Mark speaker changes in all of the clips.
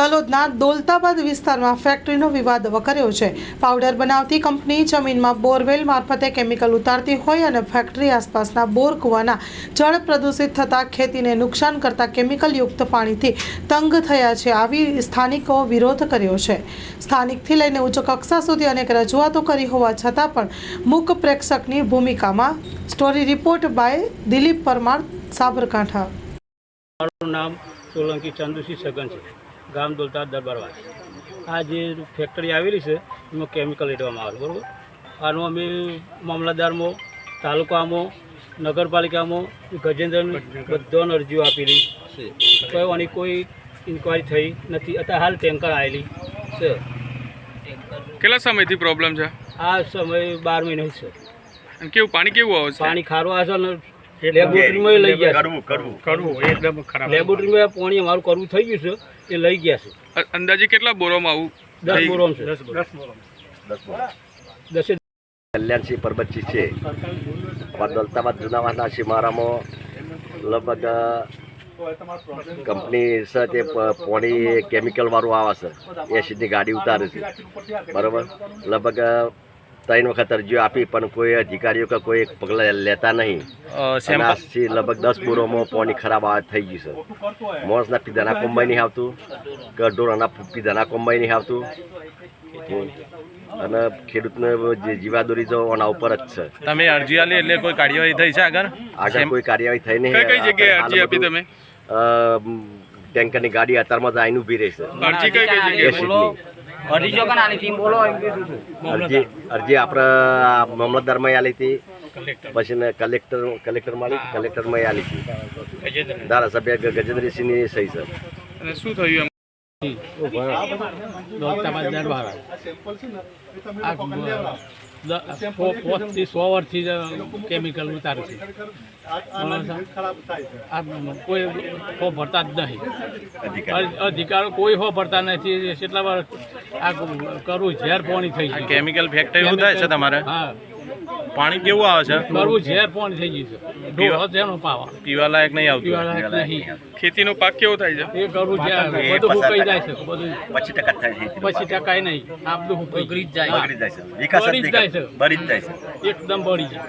Speaker 1: તલોદના દોલતાબાદ વિસ્તારમાં ફેક્ટરીનો વિવાદ વકર્યો છે। પાવડર બનાવતી કંપની જમીનમાં બોરવેલ મારફતે કેમિકલ ઉતારતી હોય અને ફેક્ટરી આસપાસના બોર કૂવાના જળ પ્રદૂષિત થતાં ખેતીને નુકસાન કરતા કેમિકલયુક્ત પાણીથી તંગ થયા છે। આવી સ્થાનિકો વિરોધ કર્યો છે। સ્થાનિકથી લઈને ઉચ્ચ કક્ષા સુધી અનેક રજૂઆતો કરી હોવા છતાં પણ મૂક પ્રેક્ષકની ભૂમિકામાં। Story report by Dilip Parmar, Sabarkantha.
Speaker 2: મારું નામ સોલંકી ચંદુસિંહ સગન છે, ગામ દોલતા દરબારવાસ। આ જે ફેક્ટરી આવેલી છે એમાં કેમિકલ રેડવામાં આવે બરાબર। આનું અમે મામલતદારમાં, તાલુકામાં, નગરપાલિકામાં, ગજેન્દ્રને બધાને અરજીઓ આપેલી છે, તો આની કોઈ ઇન્કવાયરી થઈ નથી। અત્યારે હાલ ટેન્કર આવેલી છે।
Speaker 3: કેટલા સમયથી પ્રોબ્લેમ છે?
Speaker 2: આ સમય 12 મહિના છે।
Speaker 3: અને કેવું પાણી કેવું આવે છે?
Speaker 2: પાણી ખારું આવે છે ને લેબોરેટરીમાં લઈ ગયા છે।
Speaker 3: એકદમ ખરાબ।
Speaker 2: લેબોરેટરીમાં પાણી અમારું કરવું થઈ ગયું છે, એ લઈ ગયા છે।
Speaker 3: અંદાજે કેટલા બોરોમાં આવું?
Speaker 2: 10 બોરોમ છે। 10
Speaker 4: કલ્યાણસિંહ પરબતજી છે। દોલતાબાદ જુનાવાસના શિમારામાં લગભગ કંપની છે તે પાણી કેમિકલવાળું આવે છે, એસિડની ગાડી ઉતારે છે બરાબર। લગભગ 3 વખત અરજીઓ આપી પણ કોઈ અધિકારીઓ કે કોઈ પગલાં લેતા નહીં। આજથી લગભગ 10 બોરોમાં પાણી ખરાબ થઈ ગયું છે। માણસના પીધાના કોમ્બાઈ નહીં આવતું, કે ઢોરના પીધાના કોમ્બાઈ નહીં આવતું, અને ખેડૂતને જે જીવાદોરી તો આના ઉપર જ છે।
Speaker 3: તમે અરજી આલી એટલે કોઈ કાર્યવાહી થઈ છે આગળ?
Speaker 4: કોઈ કાર્યવાહી થઈ નહીં।
Speaker 3: કઈ જગ્યાએ અરજી આપી તમે?
Speaker 4: ટેન્કરની ગાડી અત્યારમાં જ આઈને ઊભી રહી છે।
Speaker 3: અરજી કઈ જગ્યાએ?
Speaker 4: અરજી આપણે મામલતદારમાં આલી હતી, પછી કલેક્ટરમાં આલી હતી। ધારાસભ્ય ગજેન્દ્રસિંહની સહી છે।
Speaker 3: અને શું થયું?
Speaker 2: દોલતાબાદ દરબારવાસ આ 5 થી 100 વર્ષથી કેમિકલ ઉતારે છે। આ કોઈ હો ભરતા જ નહીં, અધિકારો કોઈ હો ભરતા નથી। કેટલા વાર આ કરવું ઝેર પાણી થઈ ગયું।
Speaker 3: કેમિકલ ફેક્ટરી એવું થાય છે તમારે?
Speaker 2: હા,
Speaker 3: પાણી કેવું આવે છે?
Speaker 2: કરવું ઝેર પાણી થઈ ગયું છે। ઢોર જેનો પાવા
Speaker 3: પીવા લાયક નહીં આવતું?
Speaker 2: પીવા લાયક નહીં।
Speaker 3: ખેતીનો પાક કેવો થાય છે?
Speaker 2: એ કરવું ઝેર બધું સુકાઈ જાય છે, બધું
Speaker 4: 25% થાય છે।
Speaker 2: 25% નહીં, આ બધું સુકાઈ જાય
Speaker 4: બગડી જાય છે, વિકાસ જ નહીં કરે, બળી જ જાય છે,
Speaker 2: એકદમ બળી જાય।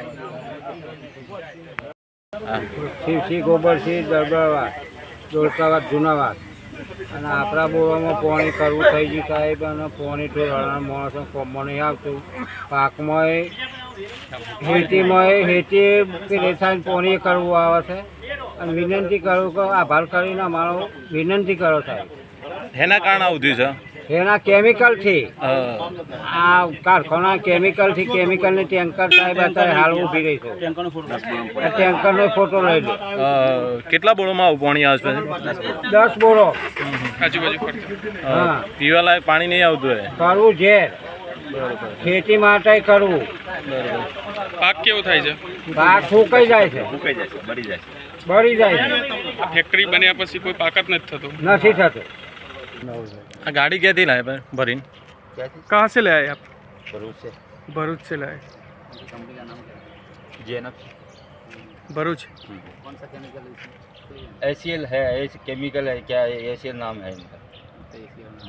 Speaker 5: શિવસિંહ ગોબરસિંહ દરબારવાસ, દોલતાબાદ જુનાવાસ। અને આપણા બોરોમાં પાણી કરવું થઈ ગયું સાહેબ, અને પાણી ઢોળાના માણસો કોમમાં નહીં આવતું। પાકમાં હેતી રેસાયણ પાણી કરવું આવે છે। અને વિનંતી કરું કે આભાર કરીને અમારો વિનંતી કરો સાહેબ।
Speaker 3: એના કારણે આવું થયું છે?
Speaker 5: એના કેમિકલથી, આ કારખાના કેમિકલથી, કેમિકલની ટેન્કર સાહેબ અત્યારે હાલ ઊભી રહી છે। ટેન્કરનો ફોટો લઈ લે।
Speaker 3: કેટલા બોરોમાં આવું પાણી આવે છે?
Speaker 5: 10 બોરો।
Speaker 3: આજુબાજુ
Speaker 5: હા,
Speaker 3: પીવા લાયક પાણી નહીં આવતું?
Speaker 5: કરવું ઝેર, ખેતી માટે કરવું।
Speaker 3: પાક કેવો થાય છે?
Speaker 5: પાક સુકાઈ જાય છે,
Speaker 4: બળી જાય છે।
Speaker 5: બળી જાય છે,
Speaker 3: ફેક્ટરી બન્યા પછી કોઈ પાક જ નથી થતો?
Speaker 5: નથી થતું।
Speaker 3: આ ગાડી ક્યાંથી લાવે ભાઈ ભરીને? कहाँ से ले आए आप? भरूच से लाए। भरूच।
Speaker 6: कौन सा केमिकल है? एसीएल है, केमिकल है क्या? एसीएल नाम है इनका।